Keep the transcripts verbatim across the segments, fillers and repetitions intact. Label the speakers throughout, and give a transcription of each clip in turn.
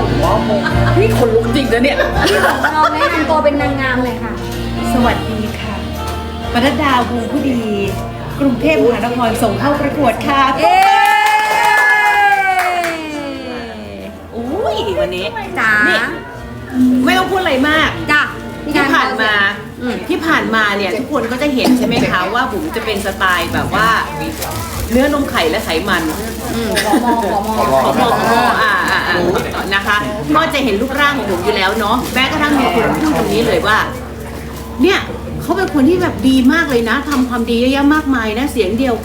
Speaker 1: นี่คนลุกจริงนะเนี่ย
Speaker 2: พี่ของเราแนะนำตัวเป็นนางงามเลยค่ะ
Speaker 1: สวัสดีค่ะปนัดดาวงผู้ดี กรุงเทพมหานครส่งเข้าประกวดค่ะเย้อุ้ยวันนี้
Speaker 2: จ๋า
Speaker 1: นี่ไม่ต้องพูดอะไรมาก
Speaker 2: จ้ะ
Speaker 1: ที่ผ่านมา
Speaker 2: อืม
Speaker 1: ที่ผ่านมาเนี่ยทุกคนก็จะเห็นใช่ไหมคะว่าบุ๋มจะเป็นสไตล์แบบว่าเนื้อนมไข่และไขมัน
Speaker 2: อืมขอมอขอมอ
Speaker 1: ขอมอขอมออ่าอ่าอ่านะคะก็จะเห็นรูปร่างของบุ๋มอยู่แล้วเนาะแม้กระทั่งมีคนพูดตรงนี้เลยว่า เนี่ยเขาเป็นคนที่แบบดีมากเลยนะทำความดีเยอะแยะมากมายนะเสียงเดียว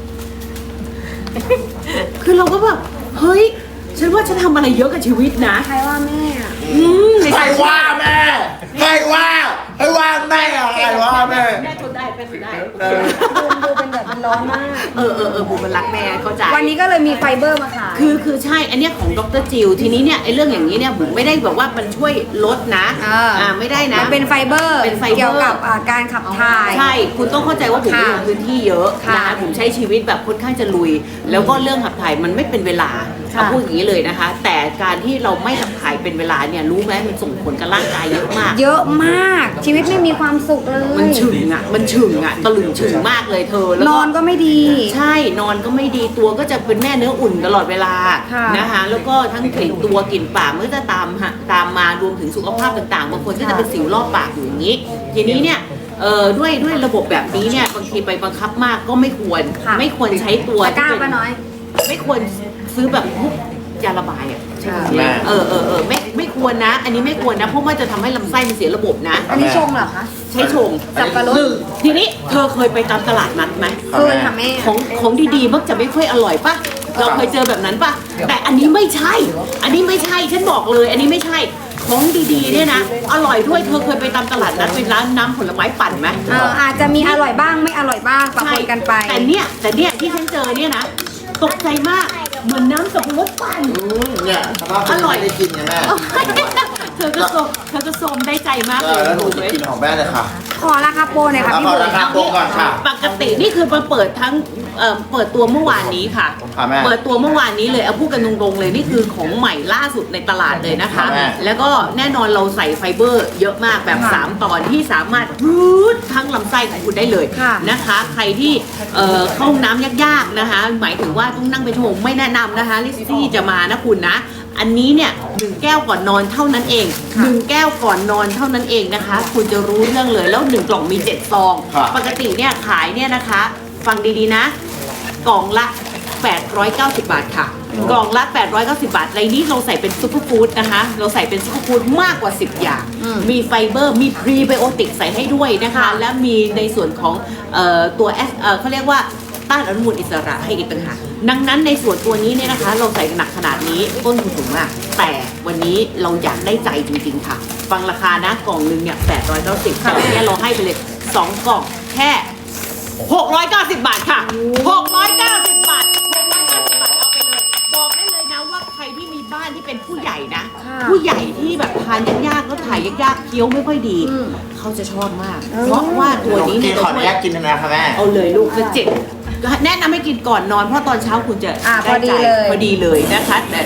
Speaker 1: คือเราก็แบบเฮ้ยฉันว่าฉันทำอะไรเยอะกับชีวิตนะ
Speaker 2: ใครว่าแม่อะ
Speaker 1: อืม
Speaker 3: ใครว่าแม่ใครว่าใครว่าแม่อะใครว่าแม่
Speaker 1: แม่ทนได้แม่ทนได้
Speaker 2: ดูดูเป็นแบบมันร้อนมาก
Speaker 1: เออเออเออบุ๋มมันรักแม่เข้าใจ
Speaker 2: วันนี้ก็เลยมีไฟเบอร์มาขาย
Speaker 1: คือคือใช่อันเนี้ยของดรจิวทีนี้เนี่ยไอ้เรื่องอย่างนี้เนี่ยบุ๋มไม่ได้แบบว่ามันช่วยลดนะ
Speaker 2: เอออ่
Speaker 1: อ่าไม่ได้นะ
Speaker 2: มันเป็นไฟเบอร์
Speaker 1: เป็นไฟเบอร์
Speaker 2: เกี่ยวกับอ่าการขับถ่าย
Speaker 1: ใช่คุณต้องเข้าใจว่าบุ๋ม
Speaker 2: ค่ะ
Speaker 1: ลงพื้นที่เยอะ
Speaker 2: ค่ะ
Speaker 1: นะคะบุ๋มใช้ชีวิตแบบค่อนข้างจะลุย แล้วก็เรื่องขับถ่ายมันไม่เป็นเวลา
Speaker 2: ค่ะ
Speaker 1: เอาพูดอย่างนี้เลยนะคะ แต่การที่เราไม่ขับถ่ายเป็นเวลาเนี่ยรู้ไหมมันส่งผลกับร่างกายเยอะมาก
Speaker 2: เยอะมากชีวิตไม่มีความสุขเลย
Speaker 1: มันฉึงอ่ะมันฉึงอ่ะตะลึงฉึงมากเลยเธอแล้ว
Speaker 2: น
Speaker 1: ก็
Speaker 2: อนก็ไม่ดี
Speaker 1: ใช่นอนก็ไม่ดีตัวก็จะเป็นแม่เนื้ออุ่นตลอดเวลา
Speaker 2: ค่ะ
Speaker 1: นะคะแล้วก็ทั้งกลิ่นตัวกลิ่นปากมันก็จะตามฮะตามมารวมถึงสุขภาพต่างๆบางคนก็จะเป็นสิวรอบปากอยู่อย่างนี้ ทีนี้เนี่ยเอ่อด้วยด้วยระบบแบบนี้เนี่ยบางทีไปบังคับมากก็ไม่ควร
Speaker 2: ค่ะ
Speaker 1: ไม่ควรใช้ตัว
Speaker 2: ตะกร้า
Speaker 1: ที่เป็
Speaker 2: ป้าน้อย
Speaker 1: ไม่ควรซื้อแบบพวกยาระบายอ่ะใช่ไหม
Speaker 3: แม่
Speaker 1: เออเออเออไม่ไม่ควรนะ อันนี้ไม่ควรนะเพราะว่าจะทำให้ลำไส้มันเสียระบบนะ
Speaker 2: อันนี้ชงเหรอคะ
Speaker 1: ใช้ชง
Speaker 2: สับปะรด
Speaker 1: หนึ่งทีนี้เธอเคยไปตามตลาดนัดไหม
Speaker 2: เคยค่ะแม่
Speaker 1: ของของดีๆมักจะไม่ค่อยอร่อยปะเราเคยเจอแบบนั้นปะแต่อันนี้ไม่ใช่ อันนี้ไม่ใช่ฉันบอกเลย อันนี้ไม่ใช่ของดีๆเนี่ยนะอร่อยด้วยเธอเคยไปตามตลาดนัดเป็นร้านน้ำผลไม้ปั่นไหม
Speaker 2: เอออาจจะมีอร่อยบ้างไม่อร่อยบ้างปะปนกันไป
Speaker 1: แต่เนี่ยแต่เนี่ยที่ฉันเจอเนี่ยนะตกใจมากเหมือนน้ำสับปะรดปั่น
Speaker 3: อืมเนี่ยสภาพ
Speaker 1: อร่อย
Speaker 3: ได้กินไงแม่
Speaker 1: เธอก็โซมเธอก็โซมได้ใจมาก
Speaker 3: เอ
Speaker 1: เล
Speaker 3: อยแล้วหนู
Speaker 1: ถูก
Speaker 3: จะ
Speaker 1: ไหม
Speaker 3: กินของแม่เลยค่ะ
Speaker 2: ขอราคาโปรหน่อยค่ะ
Speaker 3: เอา
Speaker 2: พี่
Speaker 3: ขอ
Speaker 2: บุ๋
Speaker 3: ราม คาโปรก่อนค่ะ
Speaker 1: ปกตินี่คือมาเปิดทั้งเอ่อเปิดตัวเมื่อวานนี้ค่ะ
Speaker 3: ค่ะแม่
Speaker 1: เปิดตัวเมื่อวานนี้เลยเอาพูดกันตรงๆเลยนี่คือของใหม่ล่าสุดในตลาดเลยนะคะ
Speaker 3: ค่ะแม่
Speaker 1: แล้วก็แน่นอนเราใส่ไฟเบอร์เยอะมากแบบ
Speaker 2: ค่ะ
Speaker 1: สามตอนที่สามารถรูดทั้งลำไส้ของคุณได้เลย
Speaker 2: ค่ะ
Speaker 1: นะคะ ใครที่เอ่อเข้าห้องน้ำยากๆนะคะ หมายถึงว่าต้องนั่งเป็นชั่วโมงไม่แนะนำนะคะลิซซี่จะมานะคุณนะ อันนี้เนี่ยหนึ่งแก้วก่อนนอนเท่านั้นเองหนึ่งแก้วก่อนนอนเท่านั้นเองนะคะ คุณจะรู้เรื่องเลยแล้วหนึ่งกล่องมีเจ็ดซอง
Speaker 3: ครับ
Speaker 1: ปกติเนี่ยขายเนี่ยนะคะ ฟังดีๆนะ กล่องละ แปดร้อยเก้าสิบ บาทค่ะ กล่องละ แปดร้อยเก้าสิบ บาทในนี้เราใส่เป็นซุปเปอร์ฟู้ดนะคะ เราใส่เป็นซุปเปอร์ฟู้ดมากกว่า สิบ อย่าง
Speaker 2: อืม
Speaker 1: มีไฟเบอร์ มีพรีไบโอติกใส่ให้ด้วยนะคะ
Speaker 2: ค่ะ
Speaker 1: และมีในส่วนของเอ่อตัวแอสเอ่อเขาเรียกว่าต้านอนุมูลอิสระให้อีกต่างหากดังนั้นในส่วนตัวนี้เนี่ยนะคะ เราใส่หนักขนาดนี้ต้นทุนสูงมาก แต่วันนี้เราอยากได้ใจจริงๆค่ะ ฟังราคานะกล่องหนึงเนี่ยแปดร้อยเก้าสิบแต่วันนี้เราให้ไปเลยสองกล่องแค่หกร้อยเก้าสิบบาทค่ะหกร้อยเก้าสิบบาทหกร้อยเก้าสิบบาทเอาไปเลยบอกได้เลยนะว่าใครที่มีบ้านที่เป็นผู้ใหญ่นะ
Speaker 2: ค่ะ
Speaker 1: ผู้ใหญ่ที่แบบทานยากๆแล้วถ่ายยากๆเคี้ยวไม่ค่อยดี
Speaker 2: อืม
Speaker 1: เขาจะชอบมาก เพราะว่าตัวนี้
Speaker 3: กิ
Speaker 1: เนี่ย
Speaker 3: น
Speaker 1: จะ
Speaker 3: ขออ
Speaker 1: ช่
Speaker 3: นุ
Speaker 1: วย
Speaker 3: ญาตกินนะครับแม่
Speaker 1: เอาเลยลูกจะเจ็บแนะนำให้กินก่อนนอนเพราะตอนเช้าคุณจะ
Speaker 2: อ่า
Speaker 1: ได้ใจ
Speaker 2: พอดีเลย
Speaker 1: พอดีเลยนะคะแต่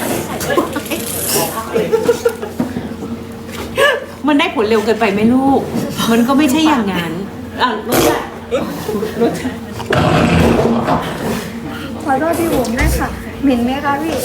Speaker 1: มันได้ผลเร็วเกินไปไหมลูก มันก็ไม่ใช่อย่างนั้นอ่ะรสชาติรสชาติ
Speaker 2: ขอโทษพี่บุ๋มด้วยค่ะเหม็นไหมคะพี่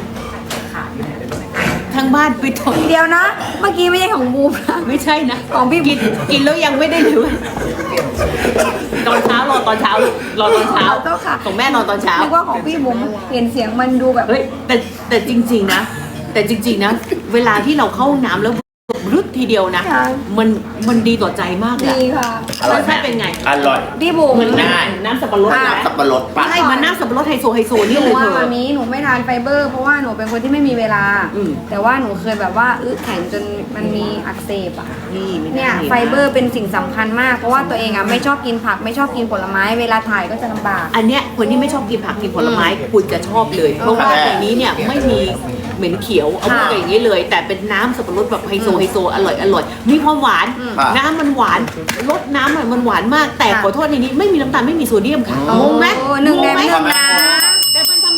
Speaker 1: ทางบ้านไปถอย
Speaker 2: เดียวนะ เมื่อกี้ไม่ใช่ของบูมนะ
Speaker 1: ไม่ใช่นะ
Speaker 2: ของพี่
Speaker 1: กินกินแล้วยังไม่ได้เลยตอนเช้ารอตอนเช้ารอตอนเช้า
Speaker 2: ขอโทษค่ะ
Speaker 1: ของแม่นอนตอนเช้า
Speaker 2: นึกว่าของพี่บุ๋มเห็นเสียงมันดูแบบ
Speaker 1: เฮ้ยแต่แต่จริง ๆ นะ แต่จริง ๆ นะ เวลาที่เราเข้าห้องน้ำแล้วรึดทีเดียวนะ
Speaker 2: ค่ะ
Speaker 1: มันมันดีต่อใจมากเลย
Speaker 2: ดีค่ะ
Speaker 3: อร่อย
Speaker 1: รสชาติเป็นไง
Speaker 3: อร่อย
Speaker 2: พี่บุ๋ม
Speaker 1: เหมือน
Speaker 3: ได้
Speaker 1: น้ำสับปะรด
Speaker 2: อ่า
Speaker 1: นะ
Speaker 3: สับปะรดปั่น
Speaker 1: ใช่มันน้ำสับปะรดไฮโซไฮโซ
Speaker 2: ห
Speaker 1: นี่
Speaker 2: นู
Speaker 1: เลยเธ
Speaker 2: ว่า
Speaker 1: อ
Speaker 2: มามีหนูไม่ทานไฟเบอร์ เพราะว่าหนูเป็นคนที่ไม่มีเวลา
Speaker 1: อืม
Speaker 2: แต่ว่าหนูเคยแบบว่าอึแข็งจนมันมีอักเสบอ่ะ
Speaker 1: นี่ไม่ได้
Speaker 2: เนี่ยไฟเบอร์เป็นสิ่งสำคัญมาก เพราะว่าตัวเองอ่ะไม่ชอบกินผักไม่ชอบกินผลไม้เวลาถ่ายก็จะลำบาก
Speaker 1: อันเนี้ยคนที่ไม่ชอบกินผักกินผลไม้คุณจะชอบเลย เพราะว่าในนี้เนี่ยไม่มีเหม็นเขียวเอาพูดกันอย่างนี้เลย แต่เป็นน้ำสับปะรดแบบไฮโซไฮโซอร่อยอร่อยมีความหวาน
Speaker 3: ค่ะ
Speaker 1: น้ำมันหวานรสน้ำอะมันหวานมาก แต่
Speaker 2: ค่ะ
Speaker 1: ขอโทษในนี้ไม่มีน้ำตาลไม่มีโซเดียมค่ะงงไหม
Speaker 2: โอ้หนึ่งแดง
Speaker 1: งไหม
Speaker 2: หนึ่งนะ
Speaker 1: แต่มันทำได้แต่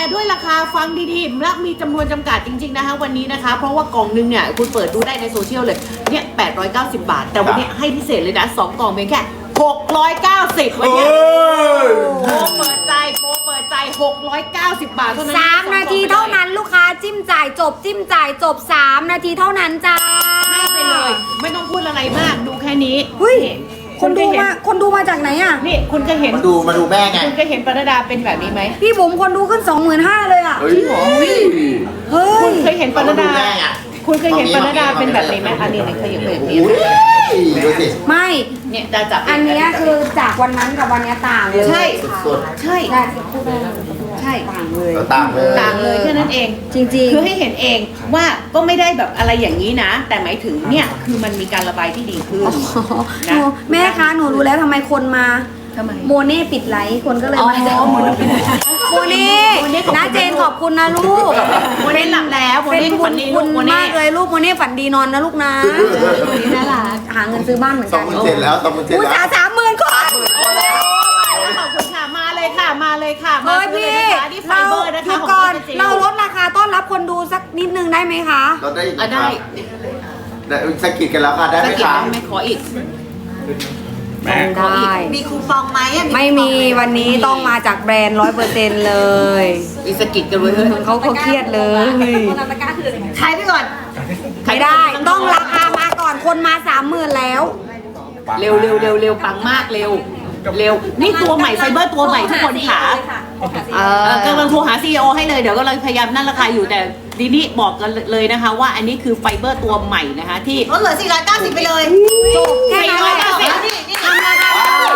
Speaker 1: ด้วยราคาฟังดีๆและมีจำนวนจำกัดจริงๆนะคะวันนี้นะคะเพราะว่ากล่องนึงเนี่ยคุณเปิดดูได้ในโซเชียลเลยเนี่ยแปดร้อยเก้าสิบบาทแต่วันนี้ให้พิเศษเลยนะสองกล่องเพียงแค่หกร้อยเก้าสิบวันนี้โปรเปิดใจโปรเปิดใจหกร้อยเก้าสิบบาทเท่านั้น
Speaker 2: สามนาทีเท่านั้นลูกค้าจิ้มจ่ายจบจิ้มจ่ายจบสามนาทีเท่านั้นจ้า
Speaker 1: ให้ไปเลย ไม่ต้องพูดอะไรมากดูแค่นี้
Speaker 2: เฮ้ย
Speaker 1: นี่
Speaker 2: คนดู
Speaker 1: เคยเห็
Speaker 2: มาคนดูมาจากไหนอ่ะ
Speaker 1: นี่คุณเคยเห็น
Speaker 3: มาดูมาดูแม่ไง
Speaker 1: คุณเคยเห็นปรดาเป็นแบบนี้ไหม
Speaker 2: พี่บุ๋มคนดูขึ้นสองหมื่นห้าเลยอ่ะ
Speaker 3: เฮ้ย
Speaker 2: เฮ้
Speaker 1: คุ
Speaker 2: ย
Speaker 1: ณเคยเห็นปรดา
Speaker 3: มาดูแม่อะ
Speaker 1: คุณเคยเห็นปรดาเป็นแบบนี้ไหมอันนี้เนี่ยเคยเห็นแบบ
Speaker 3: โอ้
Speaker 1: นี้
Speaker 3: โหดูสิ
Speaker 2: ไม่
Speaker 1: เนี่ยจะจับ
Speaker 2: อันเนี้ยคือจากวันนั้นกับวันเนี้ยต่างเลย
Speaker 1: ใช่
Speaker 3: สุด
Speaker 1: ใช่
Speaker 2: ได้พูดได้
Speaker 1: ใช่
Speaker 2: ต่างเลย
Speaker 3: ๆต่างเลย
Speaker 1: ต่างเลยแค่นั้นเอง
Speaker 2: จริงๆ
Speaker 1: คือให้เห็นเองว่าก็ไม่ได้แบบอะไรอย่างนี้นะ แต่หมายถึงเนี่ยคือมันมีการระบายที่ดีขึ้น
Speaker 2: อ๋อหนูแม่คะหนูรู้แล้วทำไมคนมา
Speaker 1: ทำไม
Speaker 2: โมเน่ปิดไลฟ์คนก็เลย
Speaker 1: อ๋อ
Speaker 2: มา
Speaker 1: โมเน่ปิดไลฟ์
Speaker 2: โมเน่
Speaker 1: โมเน่ขอบคุณ
Speaker 2: นะเจนขอบคุณนะลูก
Speaker 1: โมเน่หลับแล้วโม
Speaker 2: เป็น
Speaker 1: เน่
Speaker 2: บุ
Speaker 1: ฝั
Speaker 2: ญ
Speaker 1: นดี
Speaker 2: คุ
Speaker 1: ลู
Speaker 2: ณ
Speaker 1: กโมเน่
Speaker 2: มากเลยลูกโมเน่ฝันดีนอนนะลูกนะโมเน่น่ารักหาเงินซื้อบ้านเหมือน
Speaker 3: สอ
Speaker 2: กั
Speaker 3: ง
Speaker 2: น
Speaker 3: หมื่นเจ็ดแล้วสองหมื่นเจ็ด
Speaker 2: อุต
Speaker 3: แล้
Speaker 2: สาว ห์สามหมื่นคน
Speaker 1: ขอบคุณค่ะมาเลยค่ะมาเลยค่ะมา
Speaker 2: เฮ้ย
Speaker 1: ซื้อ
Speaker 2: พี่
Speaker 1: เลยนะคะที่ไฟ
Speaker 2: เรา
Speaker 1: เบอร์นะคะ
Speaker 2: เดี๋ยว
Speaker 1: ของ
Speaker 2: ก่อน
Speaker 1: Doctor Jill
Speaker 2: เราลดราคาต้อนรับคนดูสักนิดนึงได้ไหมคะ
Speaker 3: เราได้
Speaker 1: อ่ะได้
Speaker 3: ได้สกิดกันแล้วค่ะได้ไห
Speaker 1: ส
Speaker 3: ม
Speaker 1: กิล
Speaker 3: คะ
Speaker 1: ไม่ขออีก
Speaker 2: ได้
Speaker 4: มีคูปองไหมอะ
Speaker 2: ไม่มีวันนี้ต้องมาจากแบรนด์ร้อยเปอร์เซ็นต์เลย
Speaker 1: มีสกิลกันเลยเฮ้ย
Speaker 2: เขาเขาเครียดเลย
Speaker 4: ใช้ไปก่อน
Speaker 2: ไม่ได้ต้องราคามาก่อนคนมาสามหมื่นแล้ว
Speaker 1: เร็วเร็วเร็วเร็วปังมากเร็วเร็วนี่ตัวใหม่ไฟเบอร์ตัวใหม่ทุกคนค่ะ
Speaker 2: เอ
Speaker 1: เอ
Speaker 2: อ
Speaker 1: อกำลังโทรหา ซี อี โอ ให้เลยเดี๋ยวก็เลยพยายามนั่นราคาอยู่แต่ทีนี้บอกกันเลยนะคะ ว่าอันนี้คือไฟเบอร์ตัวใหม่นะคะที่
Speaker 4: ลดเหลือสี่ร้อยเก้าสิบไปเลย
Speaker 2: จบแค่นั้นแหละ
Speaker 1: สี่ร้อยเก้าสิบ
Speaker 4: นี่นี่
Speaker 2: ทำราคา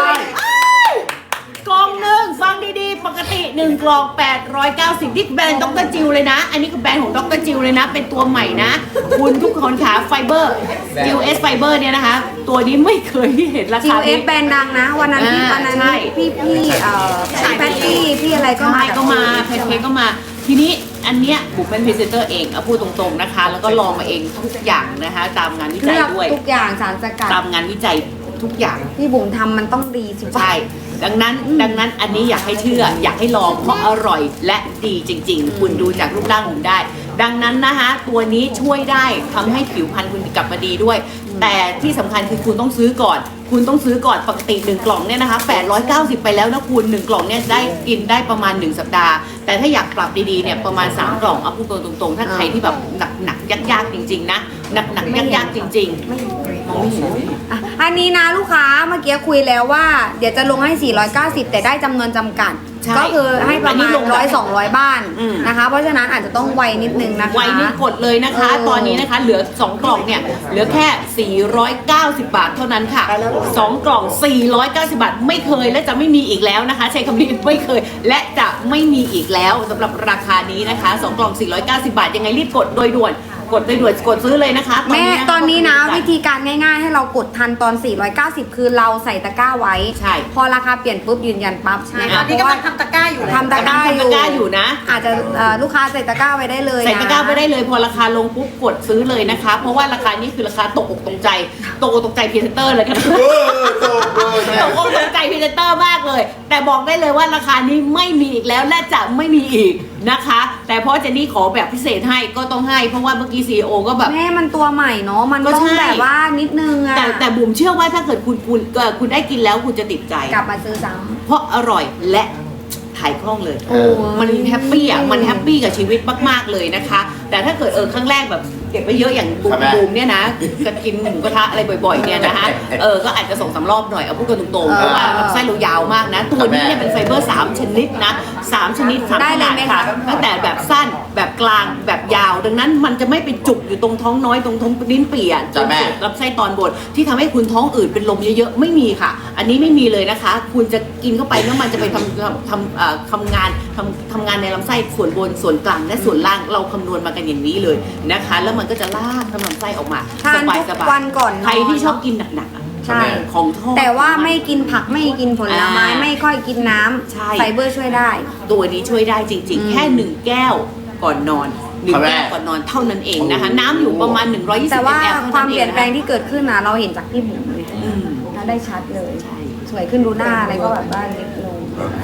Speaker 1: กล่องหนึ่งฟังดีๆ ปกติหนึ่งกล่องแปดร้อยเก้าสิบที่แบรนด์ดรจิลเลยนะ อันนี้คือแบรนด์ของดรจิลเลยนะ เป็นตัวใหม่นะ คุณทุกคนขาไฟเบอร์ จิลเอสไฟเบอร์เนี่ยนะคะ ตัวนี้ไม่เคยเห็นรา
Speaker 2: จิ
Speaker 1: คาว
Speaker 2: เอ
Speaker 1: นี้
Speaker 2: ฟแบรนด์ดังนะ วันนั้นพี่
Speaker 1: อ่า
Speaker 2: วันนั้น
Speaker 1: ใช่
Speaker 2: พี่พี่เอ่อพี่แพตตี้พี่อะไรก็
Speaker 1: ใช่
Speaker 2: มา
Speaker 1: ก็มาแพนเค้กก็มา ทีนี้อันเนี้ยผมเป็นพรีเซนเตอร์เองเอาพูดตรงๆนะคะ แล้วก็ลองมาเองทุกอย่างนะคะ ตามงานวิจั
Speaker 2: เลื
Speaker 1: ย
Speaker 2: อก
Speaker 1: ด้วย
Speaker 2: ทุกอย่างสารสกัด
Speaker 1: ตามงานวิจัยทุกอย่าง
Speaker 2: พี่บุ๋มทำมันต้องดีสิวะ
Speaker 1: ใช่ ดังนั้น ดังนั้นอันนี้อยากให้เชื่อ อยากให้ลองเพราะอร่อยและดีจริง ๆ คุณดูจากรูปร่างผมได้ ดังนั้นนะคะตัวนี้ช่วยได้ทำให้ผิวพรรณคุณกลับมาดีด้วย แต่ที่สำคัญคือคุณต้องซื้อก่อน คุณต้องซื้อก่อนปกติหนึ่งกล่องเนี่ยนะคะแปดร้อยเก้าสิบไปแล้วนะคุณหนึ่งกล่องเนี่ยได้กินได้ประมาณหนึ่งสัปดาห์ แต่ถ้าอยากปรับดีๆเนี่ยประมาณสามกล่องเอาพูดตรงๆ ถ้าใครที่แบบหนักๆยากๆจริง ๆ นะหนักๆยากๆจริงๆมองไม่เห็น
Speaker 2: อ่ะอันนี้นะลูกค้าเมื่อกี้คุยแล้วว่า เดี๋ยวจะลงให้ สี่ร้อยเก้าสิบ แต่ได้จำนวนจำกัด
Speaker 1: ใช่
Speaker 2: ก็คือให้ประ
Speaker 1: อันนี้
Speaker 2: มาณ
Speaker 1: ลงแบบ
Speaker 2: ร้อยสองร้อยบ้าน
Speaker 1: อืม
Speaker 2: นะคะ เพราะฉะนั้นอาจจะต้องไวนิดนึงนะคะ
Speaker 1: ไวนี่กดเลยนะคะ
Speaker 2: เออ
Speaker 1: ตอนนี้นะคะเหลือสองกล่องเนี่ยเหลือแค่สี่ร้อยเก้าสิบบาทเท่านั้นค่ะสองกล่องสี่ร้อยเก้าสิบบาทไม่เคยและจะไม่มีอีกแล้วนะคะ ใช้คำนี้ไม่เคย และจะไม่มีอีกแล้วสำหรับราคานี้นะคะสองกล่องสี่ร้อยเก้าสิบบาทยังไงรีบกดโดยด่วนกดโดยด่วนกดซื้อเลยนะคะ
Speaker 2: แม่ตอนนี้นะ
Speaker 1: กด
Speaker 2: วิธีการง่ายๆ ให้เรากดทันตอน สี่ร้อยเก้าสิบ คือเราใส่ตะกร้าไว้
Speaker 1: ใช่
Speaker 2: พอราคาเปลี่ยนปุ๊บยืนยันปั๊บ
Speaker 4: ใช่
Speaker 2: นะ
Speaker 4: ตอ
Speaker 2: คะ
Speaker 4: น
Speaker 2: เพ
Speaker 4: นี้
Speaker 2: ราะ
Speaker 4: กำ
Speaker 2: ว่า
Speaker 4: ลังทำตะกร้าอยู่เลย
Speaker 2: ทำตะกร้าอยู่
Speaker 1: ทำตะกร้าอยู่นะ
Speaker 2: อาจจะเอ่อลูกค้าใส่ตะกร้าไว้ได้เลยนะ
Speaker 1: ใส่ตะกร้าไปได้เลยพอราคาลงปุ๊บกดซื้อเลยนะคะ เพราะว่าราคานี้คือราคาตกอกตกใจตกอกตกใจพรีเซนเตอร์เลยกัน
Speaker 3: เออโตเออแม่
Speaker 1: ตกอกตกใจพรีเซนเตอร์มากเลย แต่บอกได้เลยว่าราคานี้ไม่มีอีกแล้วและจะไม่มีอีกนะคะ แต่เพราะเจนนี่ขอแบบพิเศษให้ก็ต้องให้เพราะว่าเมื่อกี้ซีอีโอก็แบบ
Speaker 2: แม่มันตัวใหม่เนาะมัน
Speaker 1: ก็
Speaker 2: ต้อง
Speaker 1: ใช่
Speaker 2: แบบว่านิดนึงอะ
Speaker 1: แต่แต่บุ๋มเชื่อว่าถ้าเกิดคุณคุณเอ่อคุณได้กินแล้วคุณจะติดใจ
Speaker 2: กลับมาซื้อซ้
Speaker 1: เพราะอร่อยและถ่ายคล่องเลย
Speaker 2: ำโอ้ย
Speaker 1: มันแฮปปี้อ่ะ มันแฮปปี้กับชีวิตมาก ๆ เลยนะคะ แต่ถ้าเกิดเออครั้งแรกแบบเก็บไปเยอะอย่างบู
Speaker 3: ครั
Speaker 1: ม
Speaker 3: บแม่
Speaker 1: บูมเนี่ยนะจะกินหมูกระทะอะไรบ่อยๆเนี่ยนะคะ เออ ก็อาจจะส่งสามรอบหน่อย เอาพูดกันตรงๆ เพราะว่าลำไส้เรายาวมากนะ ตัวนี้เนี่ยเป็นไฟเบอร์สามชนิดนะสามชนิดสาม
Speaker 2: ได้
Speaker 1: ข
Speaker 2: เลย
Speaker 1: นาด
Speaker 2: ไหม
Speaker 1: ค่ะ
Speaker 2: คะ
Speaker 1: ตั้งแต่แบบสั้น แบบกลาง แบบยาว ดังนั้นมันจะไม่ไปจุกอยู่ตรงท้องน้อยตรงท้องลิ้นปี่อ่ะจ
Speaker 3: จ้ะ
Speaker 1: น
Speaker 3: แม่
Speaker 1: สุดลำไส้ตอนบนที่ทำให้คุณท้องอืดเป็นลมเยอะๆ ไม่มีค่ะ อันนี้ไม่มีเลยนะคะ คุณจะกินเข้าไปแล้วมันจะไปทำทำทำเอ่อทำงานทำทำงานในลำไส้ส่วนบนส่วนกลางและส่วนล่างเราคำนวณมากันอย่างนี้เลยนะคะ แล้วมันก็จะลากทำลำไส้ออกมา
Speaker 2: ทาน
Speaker 1: สบาย
Speaker 2: ทุ
Speaker 1: ส
Speaker 2: ก
Speaker 1: บาย
Speaker 2: วันก่อนนอน
Speaker 1: ใครที่ชอบกินหนักๆอะ
Speaker 2: ใช่
Speaker 1: ของทอด
Speaker 2: แต่ว่าไม่กินผักไม่กินผลไม้
Speaker 1: อ่า
Speaker 2: ไม่ค่อยกินน้ำ
Speaker 1: ใช่
Speaker 2: ไฟเบอร์ช่วยได้
Speaker 1: ตัวนี้ช่วยได้จริง
Speaker 2: อืม
Speaker 1: ๆ แค่หนึ่งแก้วก่อนนอนหนึ่ง
Speaker 3: ครับแม่
Speaker 1: แก้วก่อนนอนเท่านั้นเองนะคะ น้ำอยู่ประมาณหนึ่งร้อยยี่สิบ
Speaker 2: แต่
Speaker 1: มิล
Speaker 2: ว่า
Speaker 1: ลิลิตร
Speaker 2: ความเปลี่ยนแปลง
Speaker 1: ที่
Speaker 2: ที่เกิดขึ้นนะเราเห็นจากพี่บุ๋มเลย
Speaker 1: อืม
Speaker 2: เราได้ชัดเลย
Speaker 1: ใช่
Speaker 2: สวยขึ้นดูหน้าอะไรก็แบบว่าเล็กลง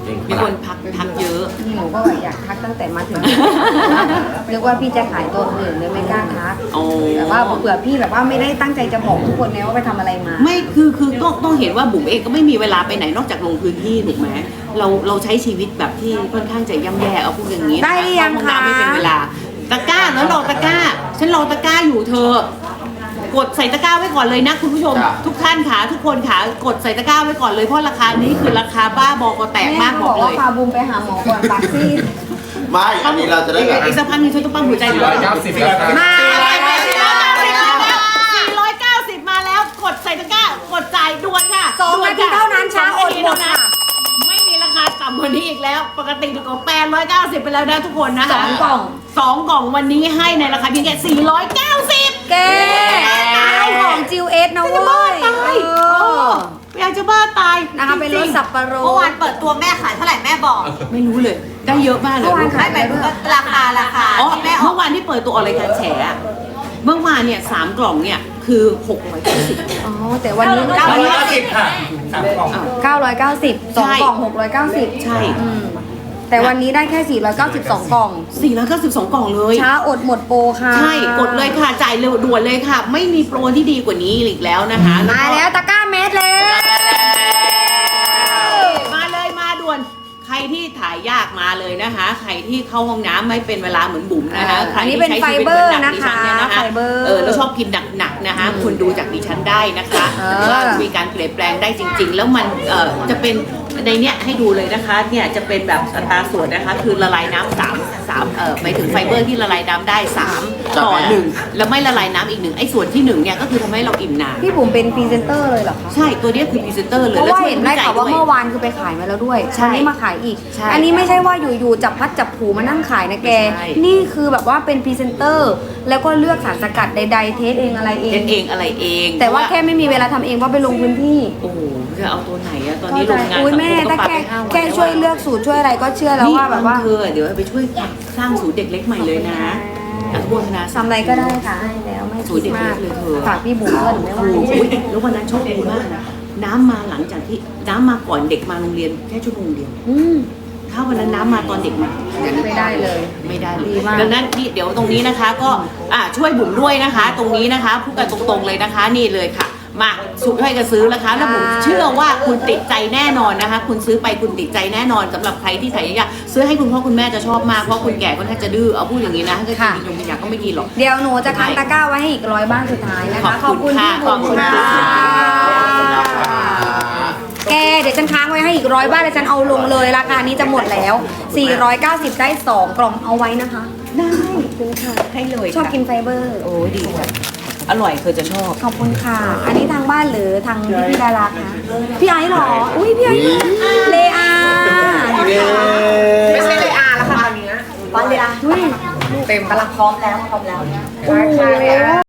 Speaker 1: มีคนพักทักเยอะ
Speaker 2: นี่หนูก็อยากทักตั้งแต่มาถึง เรียกว่าพี่จะขายตัวอื่นเลยไม่กล้าทัก
Speaker 1: โอ้
Speaker 2: แต่ว่าเผื่อพี่แบบว่าไม่ได้ตั้งใจจะบอกทุกคนนะว่าไปทำอะไรมา
Speaker 1: ไม่คือคือต้องต้องเห็นว่าบุ๋มเองก็ไม่มีเวลาไปไหนนอกจากลงพื้นที่ถูกไหมเราเราใช้ชีวิตแบบที่ค่อนข้างจะย่ำแย่เอาพูดอย่างนี้
Speaker 2: ได้หรือยัง
Speaker 1: เข้าห้อน้ำไม่
Speaker 2: คะ
Speaker 1: เป็นเวลาตะกร้าแล้วรอตะกร้า ฉันรอตะกร้าอยู่เธอ กดใส่ตะกร้าไว้ก่อนเลยนะคุณผู้ชม ทุกท่านค่ะทุกคนค่ะกดใส่ตะกร้าไว้ก่อนเลยเพราะราคานี้คือราคาบ้าบอกอแตกมาก
Speaker 2: แม่
Speaker 1: บ
Speaker 2: เขา
Speaker 1: อบ ก
Speaker 2: อก
Speaker 1: เล
Speaker 2: ว่าย พาบูมไปหาหมอก่อนปากซีด
Speaker 3: ไม่อันนี้เราจะได้แบบ
Speaker 1: อีกสักพักหนึงฉันต้องปั๊มหัวใจอยู่
Speaker 5: ร้อยเก้าสิบแล้วครับ
Speaker 2: มา
Speaker 1: สี่ร้อยเก้าสิบมาแล้วกดใส่ตะกร้ากดจ่ายด่วนค่ะ
Speaker 2: สองนาทีเท่านั้นช้าอดหมดค่ะ
Speaker 1: ไม่มีราคาต่ำกว่านี้อีกแล้ว ปกติถูกกว่าแปดร้อยเก้าสิบไปแล้วนะทุกคนนะคะ
Speaker 2: สองกล่อง
Speaker 1: สองกล่องวันนี้ให้ในราคาเพียงแค่สี่ร้อยเก้าสิบ
Speaker 2: แกเอาของจิวเอสนะเว้ย
Speaker 1: ตาย
Speaker 2: เอ
Speaker 1: เอ
Speaker 2: อ
Speaker 1: ออยากจะบ้าตาย
Speaker 2: นะคะเป็นรสสับปะร
Speaker 4: เมื่อวา
Speaker 2: ด
Speaker 4: นเปิดตัวแม่ขายเท่าไหร่แม่บอก
Speaker 1: ไม่รู้เลย ได้เยอะมากเลย
Speaker 2: เมื่อวาน
Speaker 4: ไม่หมายถึงว่าราคาราคา
Speaker 1: อ๋อ
Speaker 4: ที่แม่ออ
Speaker 1: เมื่
Speaker 4: ก
Speaker 1: อวานที่เปิดตัวออกรายการแฉอะเมื่อวานเนี่ยสามกล่องเนี่ยคือหกร้อยเก้าสิบ
Speaker 2: อ๋อแต่วันนี้
Speaker 5: ร้อยเก้าสิบค่ะสามกล่อง
Speaker 2: เก้าร้อยเก้าสิบสอง
Speaker 1: ใช่
Speaker 2: กล่องหกร้อยเก้าสิบ
Speaker 1: ใช่
Speaker 2: อืมแต่วันนี้ได้แค่สี่ร้อยเก้าสิบสองกล่อง
Speaker 1: สี่ร้อยเก้าสิบสองกล่องเลย
Speaker 2: ช้าอดหมดโปรค่ะ
Speaker 1: ใช่ กดเลยค่ะ จ่ายเร็วด่วนเลยค่ะ ไม่มีโปรที่ดีกว่านี้อีกแล้วนะคะ
Speaker 2: มาแล้วตะกร้าเม็ดแล้ว
Speaker 1: มาเลยมาด่วน ใครที่ถ่ายยากมาเลยนะคะ ใครที่เข้าห้องน้ำไม่เป็นเวลาเหมือนบุ๋มนะคะใคร
Speaker 2: อันนี้
Speaker 1: ที่
Speaker 2: เป็น
Speaker 1: ใช้
Speaker 2: ไฟ
Speaker 1: ชีวิต
Speaker 2: เบ
Speaker 1: เห
Speaker 2: อ
Speaker 1: มือน
Speaker 2: ร์
Speaker 1: หนั
Speaker 2: นะ
Speaker 1: กดิ
Speaker 2: คะ
Speaker 1: ฉันเนี่ยนะคะ
Speaker 2: ไฟเบอร์
Speaker 1: เออแล้วชอบกินหนักๆนะคะ คุณดูจากดิฉันได้นะคะ
Speaker 2: เออ
Speaker 1: ว่ามีการเปลี่ยนแปลงได้จริง ๆ แล้วมันเอ่อจะเป็นในเนี้ยให้ดูเลยนะคะเนี่ยจะเป็นแบบอัตราส่วนนะคะ คือละลายน้ำสามสามเอ่อหมายถึงไฟเบอร์ที่ละลายน้ำได้สามต่อหนึ่งแล้วไม่ละลายน้ำอีกหนึ่งไอ้ส่วนที่หนึ่งเนี่ยก็คือทำให้เราอิ่มนาน
Speaker 2: พี่บุ๋มเป็นพรีเซนเตอร์เลยเหรอคะ
Speaker 1: ใช่ตัวเนี้ยคือพรีเซนเตอร์เลย
Speaker 2: เพราะ
Speaker 1: แล้ว
Speaker 2: ว่า
Speaker 1: ช่วย
Speaker 2: เห็นได้
Speaker 1: วิจัย
Speaker 2: ข่าวว่า
Speaker 1: ด้วย
Speaker 2: เมื่อวานคือไปขายมาแล้วด้วย
Speaker 1: ใช่
Speaker 2: วันนี้มาขายอีก
Speaker 1: ใช่
Speaker 2: อันนี้ไม่ใช่ว่าอยู่ๆจับพัดจับผูมานั่งขายนะแก
Speaker 1: ใช่
Speaker 2: นี่คือแบบว่าเป็นพรีเซนเตอร์ แล้วก็เลือกสารสกัดใดๆเทสเองอะไรเอ
Speaker 1: เล่
Speaker 2: ง
Speaker 1: นเองอะไรเอง
Speaker 2: แต่ว่าแค่ไม่มีเวลาทำเองเพราะไปลงพื้นที่
Speaker 1: โอ้โหจะเอาตัวไหนอะตอนนี้โร
Speaker 2: เข้าง ใจ
Speaker 1: งาน
Speaker 2: อุ้ยแม่
Speaker 1: สังค
Speaker 2: ถ้า
Speaker 1: ก็ป
Speaker 2: แก
Speaker 1: ไปห้าวัน
Speaker 2: แกช่วยเลือกสูตรช่วยอะไรก็เชื่อแล้ว
Speaker 1: นี่
Speaker 2: ว่าแบบว่า
Speaker 1: เธอเดี๋ยวไปช่วยสร้างศูนย์เด็กเล็กใหม่เลยนะอนุโมทนา
Speaker 2: ทำอะไรก็ได้ค่ะให้แล้วไม่
Speaker 1: สู
Speaker 2: คิ
Speaker 1: ตรเด็
Speaker 2: ด
Speaker 1: ก
Speaker 2: มาก
Speaker 1: เล็กเลยเธอ
Speaker 2: ฝากพี่บุ๋มด้วยหนูไม่
Speaker 1: โอ้
Speaker 2: ว่า
Speaker 1: โหแล้ววันนั้นโชคดีมากนะน้ำมาหลังจากที่น้ำมาก่อนเด็กมาโรงเรียนแค่ชั่วโมงเดียว
Speaker 2: อืม
Speaker 1: ถ้าวันนั้นน้ำมาตอนเด็กมาอย่างนี้
Speaker 2: ไม่ได้เลย
Speaker 1: ไม่ได้เล
Speaker 2: ดี
Speaker 1: ย
Speaker 2: มาก
Speaker 1: ดังนั้นนี่เดี๋ยวตรงนี้นะคะก็อ่ะช่วยบุ๋มด้วยนะคะ ตรงนี้นะคะพูดกันตรงๆเลยนะคะนี่เลยค่ะ มาสุดให้กันซื้อนะคะแล้วผมเชื่อว่าคุณติดใจแน่นอนนะคะ คุณซื้อไปคุณติดใจแน่นอนสำหรับใครที่ใส่ยาซื้อให้คุณพ่อคุณแม่จะชอบมากเพราะคุณแก่ค่อนข้างจะดื้อเอาพูดอย่างนี้นะถ้าเกิดกินยงกินยาก็ไม่กินหรอก
Speaker 2: เดี๋ยวหนูจะคันตะกร้าไว้ให้อีกร้อยบ้านสุดท้ายนะคะ
Speaker 1: ขอบคุณค่ะ
Speaker 2: พี่บุ๋ม
Speaker 1: ขอบคุณ
Speaker 2: ค่ะ
Speaker 1: ค่ะ
Speaker 2: แกเดี๋ยวฉันค้างไว้ให้อีกร้อยบ้านแล้วฉันเอาลงเลยราคานี้จะหมดแล้ว สี่ร้อยเก้าสิบได้สองกล่องเอาไว้นะคะ
Speaker 1: ได้คุณค่ะให้เลย
Speaker 2: ชอบ
Speaker 1: ค่ะ
Speaker 2: กินไฟเบอร์
Speaker 1: โอ้ดีค่ะอร่อยเธอจะชอบ
Speaker 2: ขอบคุณค่ะ อันนี้ทางบ้านหรือทางพี่พี่ดาราคะพี่ไอซ์เหรอ อุ้ยพี่ไอซ์เลอา
Speaker 4: ไม่ใช่เลยอาแล้วค่ะตอนนี้วันเลยอา
Speaker 2: อุ้ย
Speaker 4: เต็มกำลังพร้อมแล้วพร้อมแล้ว
Speaker 2: โอ้โห